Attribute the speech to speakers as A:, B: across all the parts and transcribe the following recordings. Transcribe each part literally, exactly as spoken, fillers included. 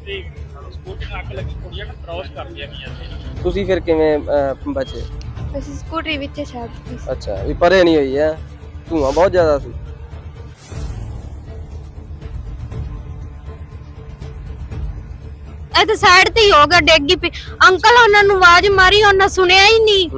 A: ਤੇ ਸਕੂਟਰ ਨੂੰ ਅੱਗ ਲੱਗੀ, ਕੁੜੀਆਂ ਨੂੰ ਕ੍ਰਾਸ ਕਰਦੀਆਂ ਗਈਆਂ ਸੀ।
B: ਤੁਸੀਂ ਫਿਰ ਕਿਵੇਂ ਅਹ, ਬਚੇ?
C: ਅਸੀਂ ਸਕੂਟਰੀ ਵਿੱਚ ਛੱਡਤੀ ਸੀ।
B: ਅੱਛਾ, ਵੀ ਪਰੇ ਨਹੀਂ ਹੋਈ ਹੈ, ਧੂਆਂ ਬਹੁਤ ਜ਼ਿਆਦਾ ਸੀ।
C: ਇਹ ਤਾਂ ਸਾਈਡ ਤੇ ਹੀ ਹੋ ਗਿਆ, ਡਿੱਗੀ ਪਈ। ਅੰਕਲ ਉਹਨਾਂ ਨੂੰ ਆਵਾਜ਼ ਮਾਰੀ, ਉਹਨਾਂ ਸੁਣਿਆ ਹੀ ਨਹੀਂ।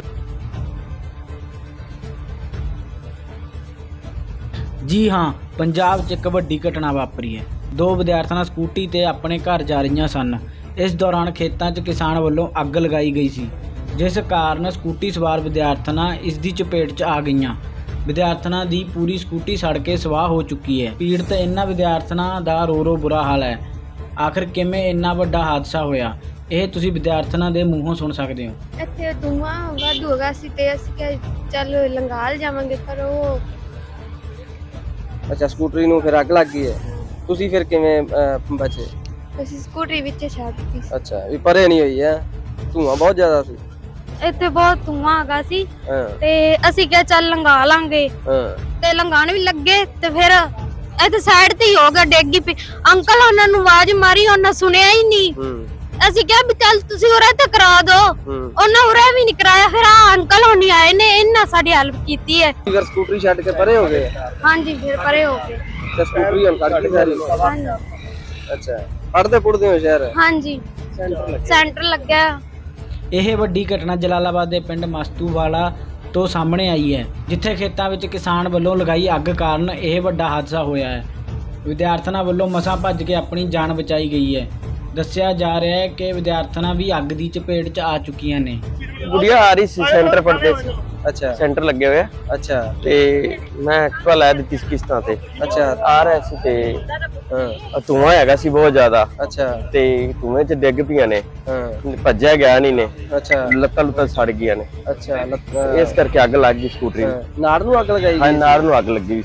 D: ਜੀ ਹਾਂ, ਪੰਜਾਬ 'ਚ ਇੱਕ ਵੱਡੀ ਘਟਨਾ ਵਾਪਰੀ ਹੈ। ਦੋ ਵਿਦਿਆਰਥਣਾਂ ਸਕੂਟੀ ਤੇ ਆਪਣੇ ਘਰ ਜਾ ਰਹੀਆਂ ਸਨ। ਇਸ ਦੌਰਾਨ ਖੇਤਾਂ 'ਚ ਕਿਸਾਨ ਵੱਲੋਂ ਅੱਗ ਲਗਾਈ ਗਈ ਸੀ, ਜਿਸ ਕਾਰਨ ਸਕੂਟੀ ਸਵਾਰ ਵਿਦਿਆਰਥਣਾਂ ਇਸ ਦੀ ਚਪੇਟ 'ਚ ਆ ਗਈਆਂ। ਵਿਦਿਆਰਥਣਾਂ ਦੀ ਪੂਰੀ ਸਕੂਟੀ ਸੜ ਕੇ ਸਵਾਹ ਹੋ ਚੁੱਕੀ ਹੈ। ਪੀੜਤ ਇਹਨਾਂ ਵਿਦਿਆਰਥਣਾਂ ਦਾ ਰੋ ਰੋ ਬੁਰਾ ਹਾਲ ਹੈ। ਆਖਰ ਕਿਵੇਂ ਇੰਨਾ ਵੱਡਾ ਹਾਦਸਾ ਹੋਇਆ, ਇਹ ਤੁਸੀਂ ਵਿਦਿਆਰਥਣਾਂ ਦੇ ਮੂੰਹੋਂ ਸੁਣ ਸਕਦੇ ਹੋ।
C: ਇੱਥੇ ਧੂਆਂ ਵਾਧੂ ਹੋ ਗਿਆ ਸੀ ਤੇ ਅਸੀਂ ਕਿਹਾ ਚੱਲ ਲੰਗਾਲ ਜਾਵਾਂਗੇ, ਪਰ ਉਹ
B: ਅੱਛਾ, ਸਕੂਟਰੀ ਨੂੰ ਫਿਰ ਅੱਗ ਲੱਗ ਗਈ ਹੈ। ਤੁਸੀਂ ਫਿਰ ਕਿਵੇਂ ਅਹ, ਬਚੇ?
C: ਅਸੀਂ ਸਕੂਟਰੀ ਵਿੱਚ ਛੱਡਤੀ ਸੀ।
B: ਅੱਛਾ, ਵੀ ਪਰੇ ਨਹੀਂ ਹੋਈ ਹੈ, ਧੂਆਂ ਬਹੁਤ ਜ਼ਿਆਦਾ ਸੀ।
C: ਇੱਥੇ ਬਹੁਤ ਧੂਆਂ ਹੈਗਾ ਸੀ
B: ਹਾਂ
C: ਤੇ ਅਸੀਂ ਕਿਹਾ ਚੱਲ ਲੰਗਾ ਲਾਂਗੇ,
B: ਹਾਂ
C: ਤੇ ਲੰਗਾਣ ਵੀ ਲੱਗੇ ਤੇ ਫਿਰ ਇਹ ਤਾਂ ਸਾਈਡ ਤੇ ਹੀ ਹੋ ਗਿਆ, ਡਿੱਗੀ ਪਈ। ਅੰਕਲ ਉਹਨਾਂ ਨੂੰ ਆਵਾਜ਼ ਮਾਰੀ, ਉਹਨਾਂ ਸੁਣਿਆ ਹੀ ਨਹੀਂ।
B: ਹੂੰ
C: ਅਸੀਂ ਕਿਹਾ ਵੀ ਚੱਲ ਤੁਸੀਂ ਉਰੇ ਤੇ ਕਰਾ ਦਿਓ,
B: ਹੂੰ
C: ਉਹਨਾਂ ਉਰੇ ਵੀ ਨਹੀਂ ਕਰਾਇਆ। ਫਿਰ ਆ ਅੰਕਲ ਹੋਣੀ ਆਏ ਨੇ, ਇਹਨਾਂ ਸਾਡੀ ਹੈਲਪ ਕੀਤੀ ਹੈ।
B: ਫਿਰ ਸਕੂਟਰੀ ਛੱਡ ਕੇ ਪਰੇ ਹੋ ਗਏ
C: ਹਾਂਜੀ, ਫਿਰ ਪਰੇ ਹੋ ਗਏ।
B: ਤੇ ਸਕੂਟਰੀ ਹੁਣ ਕੱਢ ਕੇ ਸਾਰੀ।
C: ਹਾਂਜੀ
B: ਅੱਛਾ, ਪੜਦੇ ਪੁੜਦੇ ਹੋ ਸ਼ਹਿਰ?
C: ਹਾਂਜੀ, ਸੈਂਟਰ ਲੱਗਿਆ।
D: ਇਹ ਵੱਡੀ ਘਟਨਾ ਜਲਾਲਾਬਾਦ ਦੇ ਪਿੰਡ ਮਸਤੂਵਾਲਾ ਤੋਂ ਸਾਹਮਣੇ ਆਈ ਹੈ, ਜਿੱਥੇ ਖੇਤਾਂ ਵਿੱਚ ਕਿਸਾਨ ਵੱਲੋਂ ਲਗਾਈ ਅੱਗ ਕਾਰਨ ਇਹ ਵੱਡਾ ਹਾਦਸਾ ਹੋਇਆ ਹੈ। ਵਿਦਿਆਰਥਣਾਂ ਵੱਲੋਂ ਮਸਾਂ ਭੱਜ ਕੇ ਆਪਣੀ ਜਾਨ ਬਚਾਈ ਗਈ ਹੈ। ਦੱਸਿਆ ਜਾ ਰਿਹਾ ਹੈ ਕਿ ਵਿਦਿਆਰਥਣਾਂ ਵੀ ਅੱਗ ਦੀ ਚਪੇਟ 'ਚ ਆ ਚੁੱਕੀਆਂ ਨੇ।
E: गुड़िया आ रही सी सेंटर पढ़ते सी,
B: ਅੱਛਾ
E: सेंटर लगे हुए आ।
B: ਅੱਛਾ
E: ते मैं एक्टिवा लै दी सी किस्तां ते।
B: ਅੱਛਾ
E: आ रहा सी ते
B: ਹਾਂ
E: धुआं हैगा सी बहुत ज्यादा,
B: ਅੱਛਾ
E: ते धुएं च डिग पियां ने,
B: ਹਾਂ
E: भज्जिया गया नहीं ने,
B: ਅੱਛਾ
E: लत्तां लुत्तां सड़ गईयां ने।
B: ਅੱਛा ਲੱਤ
E: इस करके अग लग गई स्कूटरी
B: ਹਾਂ, ਨਾੜ ਨੂੰ ਅੱਗ ਲਗਾਈ
E: हाँ,
B: ਗਈ?
E: नाड़ नूं अग लगी।